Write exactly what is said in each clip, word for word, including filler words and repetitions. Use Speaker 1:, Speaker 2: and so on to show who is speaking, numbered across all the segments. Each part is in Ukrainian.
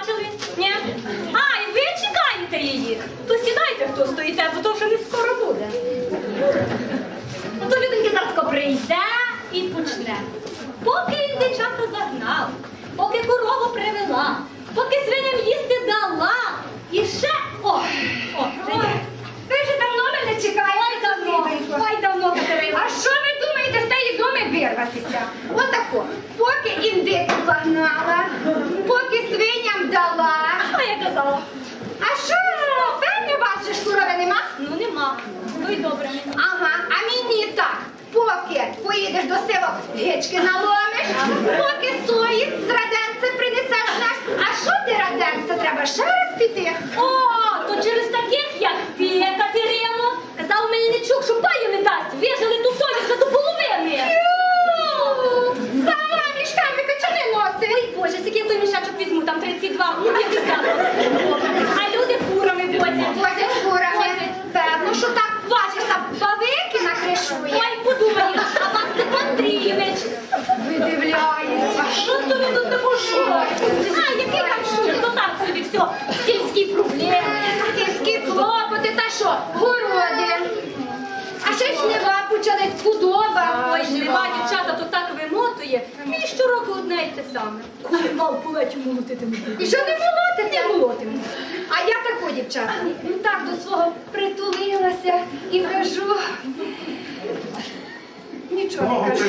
Speaker 1: бачили? Ні? А, і ви чекаєте її? То сідайте, хто стоїте, бо то вже не скоро буде. Ну то людинки завтра прийде і почне. Поки він дівчата загнав, поки корову привела, поки свиням їсти дала, і ще... О, о, вже є.
Speaker 2: Ви вже давно мене чекаєте.
Speaker 1: Ой, давно, ой, давно, Катерина.
Speaker 2: А що ви думаєте з тієї доми вирватися? Отако. Поки індику загнала, поки свиням дала.
Speaker 1: А я казала.
Speaker 2: А що, певне, у вас же ж корови нема?
Speaker 1: Ну нема. Ну і добре.
Speaker 2: Ага, а мені так. Поки поїдеш до села, гички наломиш, поки сої з раденця принесеш наш. А що ти, раденця, треба ще раз піти?
Speaker 1: О, то через таких, як ти, Катерино, казав Мельничук, що паю не дасть. Вижили ту солі вже до половини.
Speaker 2: Сама між качани носить.
Speaker 1: Ой, Боже, скільки я той мішечок візьму, там тридцять два, п'ятдесят. А люди фурами возять.
Speaker 2: Возять фурами. Певно, що так важиш, там бавики накришує.
Speaker 1: Ой, подумай, а вас Степан Андрійович.
Speaker 2: Видивляється.
Speaker 1: Що то ви тут не пошукаєте? А, який там шутер, то так собі все. Сільські проблеми.
Speaker 2: Сільські клопоти, та що? Городи. А ще ж жнива почались, худоба.
Speaker 1: Ой, жнива, дівчата, то так вимотує. Мені щороку одне й те саме. Коли мав полетю молотити не буду.
Speaker 2: І що не молотите?
Speaker 1: Не молотимо.
Speaker 2: А я тако, дівчата, ну так до свого притулилася і кажу. Нічого не кажу.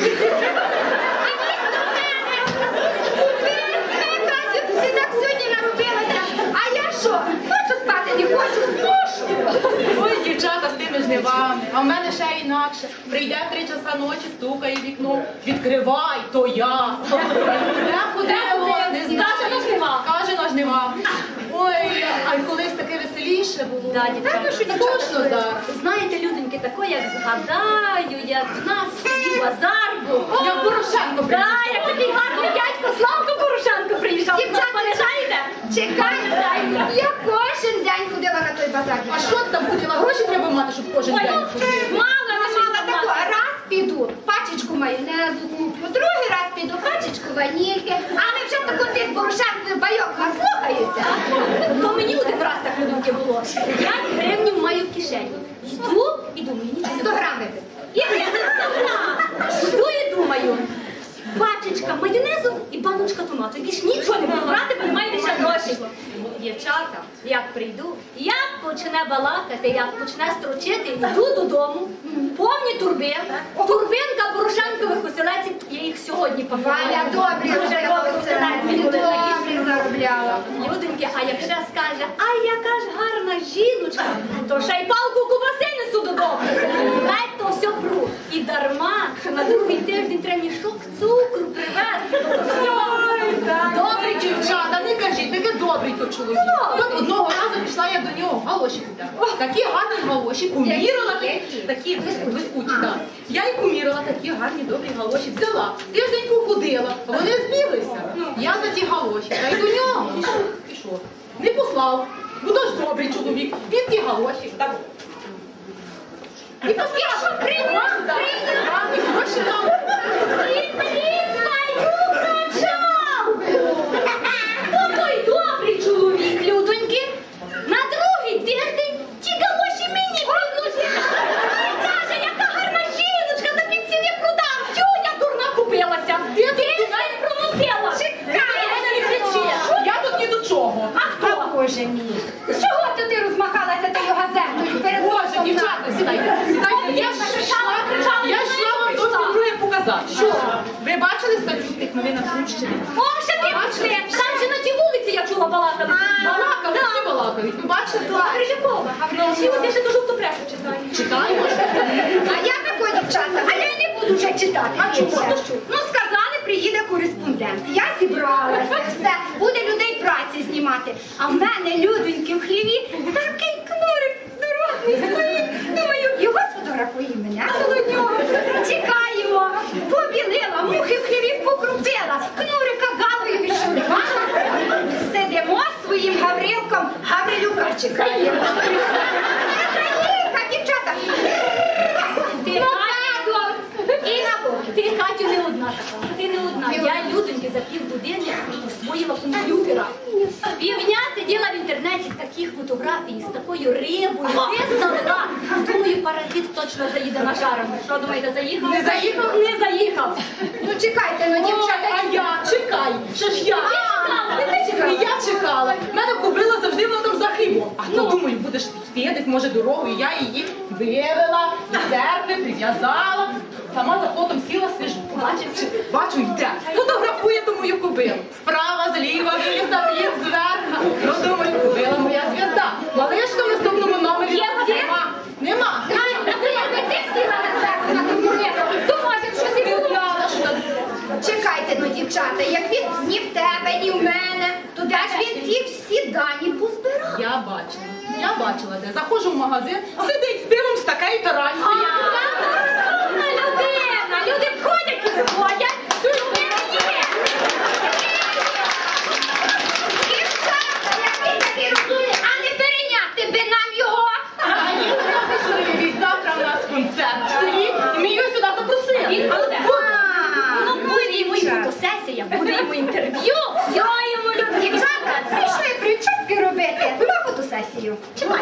Speaker 2: Ти так сьогодні наробилася. А я що? Хочу спати, не хочу, мушу.
Speaker 3: Ой, дівчата з тими жнивами, а в мене ще інакше. Прийде в три часа ночі, стукає в вікно, відкривай, то я. Не ходила, не знаю.
Speaker 1: Каже на жнива.
Speaker 3: Каже на жнива. Ой, а колись таке веселіше було.
Speaker 1: Да, дівчата,
Speaker 3: що скучно зараз.
Speaker 1: знаєте, людоньки, тако, як згадаю, як в нас в селі базар був.
Speaker 3: Як Порошенко
Speaker 1: Да,
Speaker 3: приїжджав.
Speaker 1: як такий гарний дядько Славко Порошенко приїжджав.
Speaker 2: Дівчата,
Speaker 1: Пам'ятаєте?
Speaker 2: Чекай, я кожен день ходила на той базар.
Speaker 3: А що ти там ходила? Гроші треба мати, щоб кожен
Speaker 1: Ой,
Speaker 3: день
Speaker 1: ну,
Speaker 3: ходити.
Speaker 1: мало,
Speaker 2: Я мала таку, раз піду, пачечку майонезу куплю, другий раз піду, пачечку ванільки, але вже таку тих Порошенкових байок наслухаюся.
Speaker 1: То мені один раз так, людоньки, було. п'ять гривень маю в кишені. Йду і думаю, нічого.
Speaker 2: сто грам випити.
Speaker 1: Я не знаю. Йду і думаю. Пачечка майонезу і баночка томату. Більш нічого не буду брати, бо немає лише грошей. Дівчата, як прийду, як почне балакати, як почне строчити, йду додому, повні турби, турбинка Порошенкових оселеців, я їх сьогодні пам'ятаю.
Speaker 2: Валя добрі
Speaker 1: Дуже
Speaker 2: робила
Speaker 1: добрі
Speaker 2: оселедці,
Speaker 1: оселедці були такі.
Speaker 2: добрі заробляла.
Speaker 1: Люденьки, а як ще скаже, ай, яка ж гарна жіночка, то ще й палку кубаси несу додому. Ледь то все пру. І дарма, що на другий тиждень треба мішок цукру привезти.
Speaker 3: Добрий дівчата, не кажіть, таке добрий то чоловік. От одного разу пішла я до нього галоші купляти. Такі гарні галоші, помірила, такі, такі блискучі, так. Я й помірила такі гарні, добрі галоші, взяла. Тиждень походила, вони збіглися. Я за ті галоші, та й до нього. І що? Не послав, бо то ж добрий чоловік, він ті галоші. Так. І послав, прийняв, прийняв, і гроші дав.
Speaker 1: Хто той добрий чоловік, людоньки? На другий тиждень ті галоші мені предложили. Каже, яка гарна жіночка, за півціни продам. Тю, я дурна купилася. Ти не проносила.
Speaker 3: Чекай, не кричи. Я тут ні до чого.
Speaker 1: А хто?
Speaker 2: Боже мій. Чого то ти розмахалася тою газетою перед
Speaker 3: Боже,
Speaker 2: носом
Speaker 3: дівчата, сідайте, сідайте. Я ж йшла, я йшла вам зовсім друге показати. Що? Ви бачили статтю в тих новинах Сумщини?
Speaker 1: О, ще ти пішли. Там же на тій вулиці я чула балакали.
Speaker 3: Балакали, всі балакають. Ви бачили?
Speaker 1: Грижакова. Грижакова, ти ще до жовту пресу читаєш.
Speaker 3: Читаємо.
Speaker 2: А я тако, дівчата, а я не буду вже читати.
Speaker 1: А чому?
Speaker 2: більше. Ну, сказали, приїде кореспондент. Я зібралася, все, буде людей праці знімати. А в мене, людоньки, в хліві такий кнурик здоровий стоїть. Думаю, його сфотографує мене коло нього. Чекаємо. Побілила, мухи в хліві покрутила, кнурика галою відшурувала. Сидимо своїм Гаврилком, Гаврилюка чекаємо. Дівчата,
Speaker 1: Ти,
Speaker 2: і на боки.
Speaker 1: Ти, Катю, не одна така. Ти не одна. Я, людоньки, за півгодини освоїла комп'ютера. Півдня сиділа в інтернеті таких фотографій з такою рибою, виставила. Думаю, паразит точно заїде на жарену. Що думаєте, заїхав?
Speaker 3: Не заїхав?
Speaker 1: Не заїхав.
Speaker 2: Ну чекайте, ну дівчата.
Speaker 3: А я, чекай, що ж я?
Speaker 1: Ти ти чекала?
Speaker 3: І я чекала. Мене кобила завжди вона там за хибом. А то думаю, будеш йти десь, може, дорогою. Я її вивела, до церкви, прив'язала. Сама за плотом сіла, свіжу. Бачиш, бачу, йде. Фотографує ту мою кобилу. Справа, зліва, в'їзда, в'їзд, зверху. Ну, думаю, кобила моя зв'язда. Малишка в наступному номері
Speaker 1: Є, є?
Speaker 3: нема. Нема.
Speaker 2: Якби ти сіла на зверху на комп'ютер, то може б щось і
Speaker 3: Ти
Speaker 2: було.
Speaker 3: знала, що там.
Speaker 2: Чекайте, ну дівчата, як він ні в тебе, ні в мене, то де ж він ті всі дані позбирав?
Speaker 3: Я бачила. Я бачила, де. Заходжу в магазин, сидить з пивом, з таке і таранька.
Speaker 1: Розумна людина. Люди входять і виходять.
Speaker 2: Дівчата, який такий розумний, а не перейняти би нам його.
Speaker 3: А ні, треба чоловік, завтра в нас концерт в селі, і ми його сюди запросили.
Speaker 1: Він буде. Ну, буде йому і
Speaker 2: дівчата.
Speaker 1: фотосесія, буде йому інтерв'ю. Все йому люди.
Speaker 2: Дівчата, прийшли прически робити на фотосесію.
Speaker 1: Чекай,